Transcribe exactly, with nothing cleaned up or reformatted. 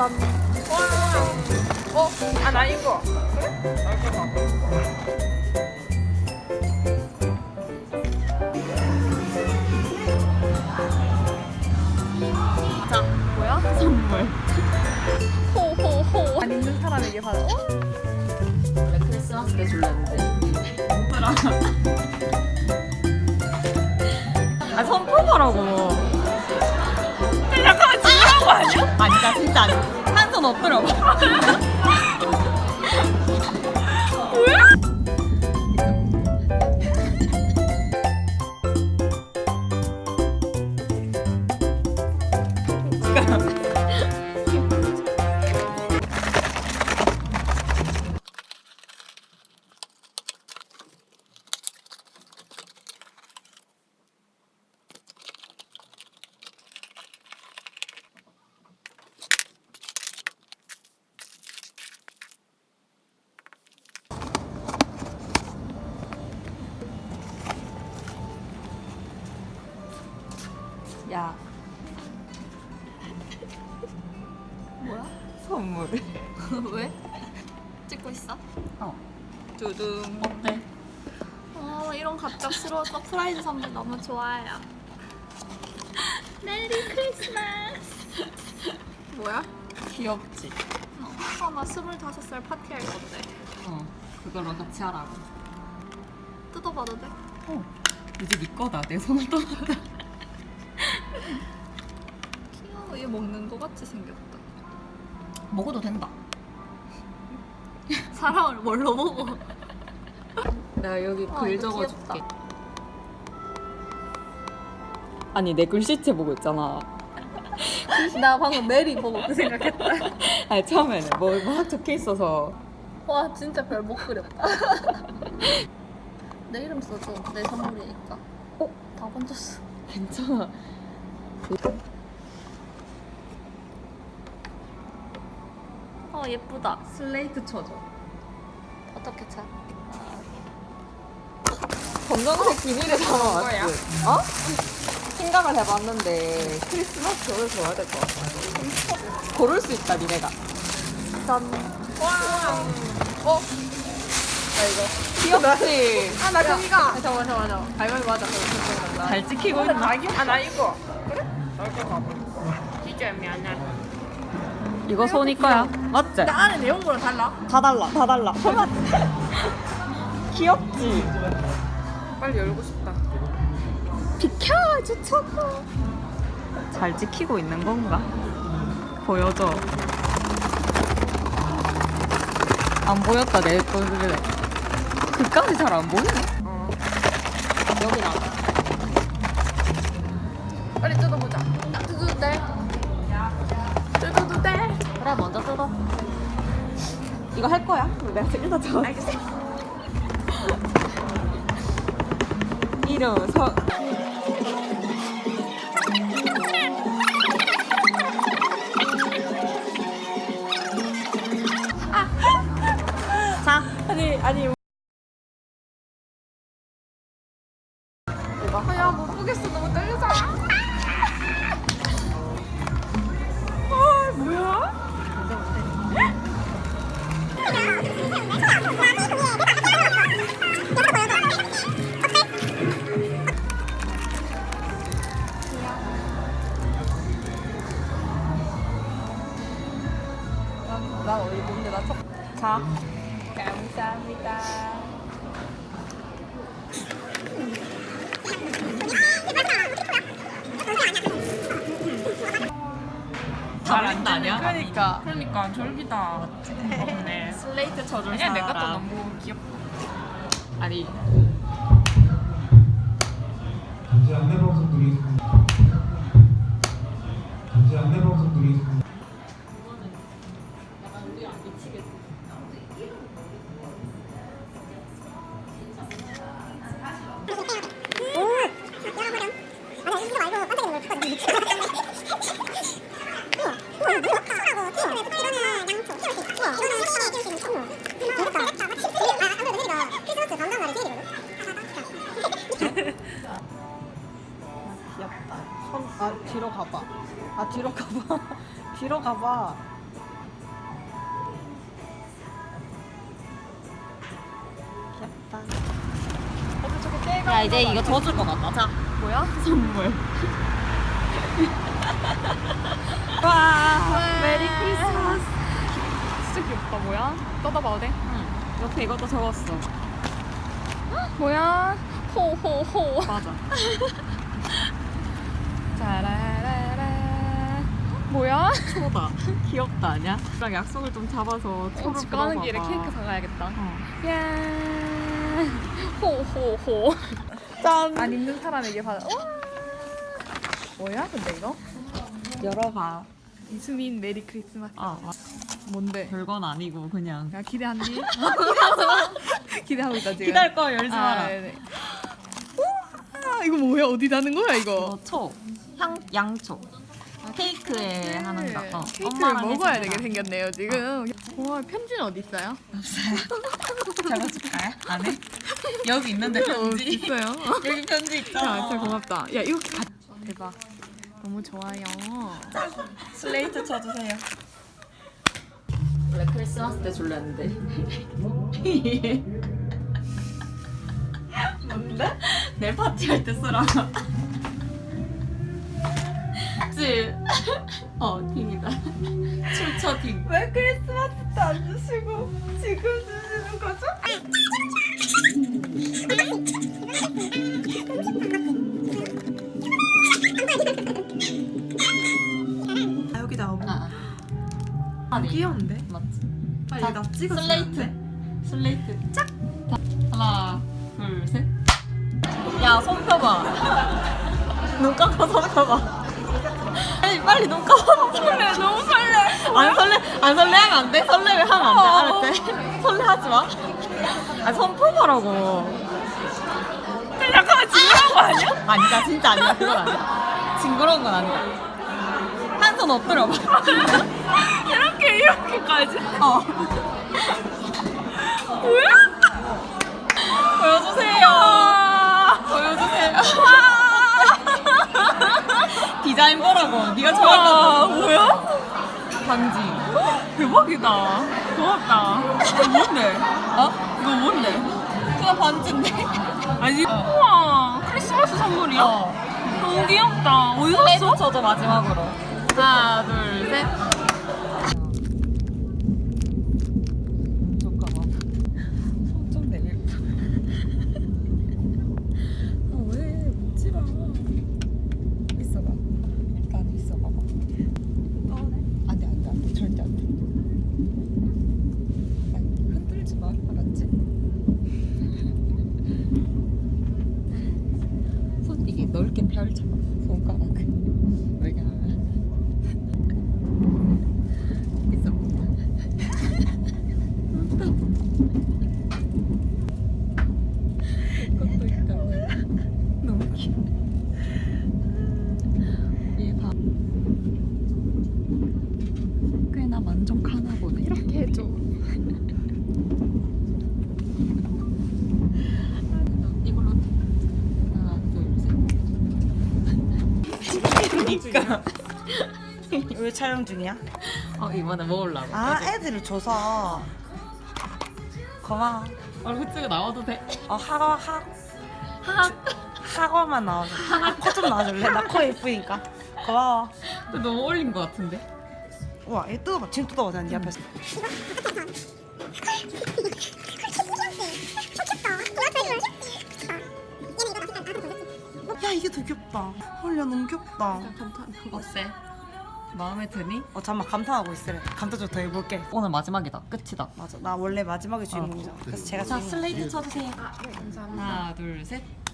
짠. 와. 어? 아, 나 이거. 그래? 나 이거 봐. 자, 뭐야? 선물. 호호호. 안 있는 사람에게 받아. 어? 원래 크리스마스 때 줄랬는데. 뭐더라? 아, 선포버라고. 잠깐만, 지나간 거 아니야? 아니, 나 진짜 아니. 한 손 엎드려. 야. 뭐야? 선물. 왜? 찍고 있어? 어. 두둥. 어때? 어, 이런 갑작스러운 서프라이즈 선물 너무 좋아요. 메리 크리스마스. 뭐야? 귀엽지? 어, 나 스물다섯 살 파티할 건데. 어. 그걸로 같이 하라고. 뜯어봐도 돼? 어. 이제 네 거다. 내 손을 떠났다. 귀여워. 얘 먹는 거 같이 생겼다. 먹어도 된다. 사람을 뭘로 보고? 내가 여기 아, 글 이거 적어줄게. 귀엽다. 아니 내 글씨체 보고 있잖아. 나 방금 메리 보고 그 생각했다. 아니 처음에는 뭐막 적혀 있어서. 와, 진짜 별 못 그렸다. 내 이름 써줘. 내 선물이니까. 어? 다 번졌어. 괜찮아. 어, 예쁘다. 슬레이트 쳐줘. 어떻게 차? 검정색 비닐에 담아왔지. 거야? 어? 생각을 해봤는데 크리스마스 겨울 좋아야 될 것 같아. 고를 수 있다 니네가. 짠. 와. 어? 나 이거. 귀엽지? 아, 나 저기가. 아, 잠깐만, 잠깐만, 잠깐만. 갈갈이 맞아. 그럼 잘 지키고 있나? 아, 나 이거. 그래? 나 이거 봐봐. 진짜 미안해. 이거 소니 거야. 맞지? 나 안에 내용물은 달라? 다 달라 다 달라. 귀엽지? 빨리 열고 싶다. 비켜 주차고. 잘 지키고 있는 건가? 보여줘. 안 보였다 내 거를. 그까지 잘 안 보이네. 어. 여기 나. 빨리 뜯어보자. 나 뜯어도 돼? 뜯어도 돼? 그래 먼저 뜯어. 이거 할 거야? 내가 일단 저 알겠어. 이름 서. 자. 아니, 아니. 아, 야, 못 보겠어. 너무 떨려서. 아, 뭐야? 난 어디 뭔데 나 첫. 자. 감사합니다. 잘안 나냐? 그러니까. 그러니까 졸기다. 없네. 슬레이트 쳐줄 그냥 내가 또 사람. 너무 귀엽다. 아니 단지 안내 방송 드리겠습니다. 단지 안내 방송 드리겠습니다. 귀엽다. 손, 아 뒤로 가봐. 아 뒤로 가봐. 뒤로 가봐. 야 이제 이거 더 줄 것 같다. 자 뭐야? 선물. 와, 메리 크리스마스. 진짜 귀엽다. 뭐야? 뜯어봐도 돼? 응. 옆에 이것도 적었어. 뭐야? 호호호. 맞아. 짜라라라. 뭐야? 초다. 귀엽다 아니야? 랑 약속을 좀 잡아서 초를 집 가는 불어봐봐. 길에 케이크 사가야겠다. 어. 야. 호호호. 짠. 안 입는 사람에게 받아. 와. 뭐야? 근데 이거? 열어봐. 이수민 메리 크리스마스. 아, 아 뭔데? 별건 아니고 그냥. 야 기대하니? 기대하고 있다 지금. 기다릴 거 열지 아, 마라. 네네. 우와, 이거 뭐야? 어디 다는 거야 이거? 이거 초, 향, 양초. 케이크에 하는 거. 어. 케이크를 엄마랑 먹어야 해주자. 되게 생겼네요 지금. 와 편지는 어디 있어요? 적어줄까요? 안 해? 여기 있는데 어, 편지. 있어요. 여기 편지 야, 있잖아. 진짜 고맙다. 야 이거 가... 대박. 너무 좋아요. 슬레이트 쳐주세요. 원래 크리스마스 때 줄랬는데. 뭔데? 내 파티 할 때 쓰라. 지. 어, 팀이다. 출처 팀. 왜 크리스마스 때 안 주시고 지금 주시는 거죠? 아, 여기다 어머. 아, 아. 귀여운데? 맞지? 빨리 자, 나 찍어. 슬레이트. 슬레이트. 짝. 자, 하나, 둘, 셋. 야, 손 펴봐. 눈 감고 손 펴봐. 빨리, 빨리 눈 감아. 설레 너무 설레. 안 설레, 안 설레하면 안 돼? 설레면 하면 안 돼. 알았지? 설레하지 마. 아, 손 펴보라고. 잠깐만 징그러운 거 아니야? 아니다, 진짜 아니야. 그건 아니야. 징그러운 건 아니야. 한 손 엎드려봐. 이렇게 이렇게까지? 어. 뭐야? 보여주세요. 보여주세요. 디자인 보라고. 네가 좋아할 것 와 같아. 뭐야? 반지. 대박이다. 고맙다. 이거 뭔데? 어? 이거 뭔데? 그냥 반지인데. 아니 우와 크리스마스 선물이야? 어. 너무 귀엽다. 어디서 슬레이트 샀어? 쳐줘 마지막으로. 하나, 둘, 셋. 잠깐만. 손좀 내밀까? 아, 왜 묻지 마. 있어봐. 일단 있어봐봐. 안 돼, 안 돼, 안 돼. 절대 안 돼. 아니, 흔들지 마. 알았지? 손 이게 넓게 펼쳐. 손가락을. 왜냐면 있어. 그것도 있다고. 너무 귀여워. 얘 봐. 꽤나 만족하나 보네. 이렇게 해줘. 이걸로 하나, 둘, 셋. 그러니까. 왜 촬영 중이야? 어 이번에 먹으려고. 아, 애들을 줘서. 고마워. 얼굴 찍어 나와도 돼? 어, 학원, 학, 학원만 나와줘. 코 좀 나와줄래? 나 코 예쁘니까. 고마워. 근데 너무 어울린 것 같은데? 우와, 얘 뜯어봐. 지금 뜯어보자, 네 앞에서. 야, 이게 더 귀엽다. 헐, 야, 너무 귀엽다. 어때? 마음에 드니? 어, 잠깐만, 감탄하고 있으래. 감탄 좀 더 해볼게. 오늘 마지막이다. 끝이다. 맞아, 나 원래 마지막에 주인공이잖아. 그래서 제가 자 주인공. 슬레이트 쳐주세요. 하나 둘 셋.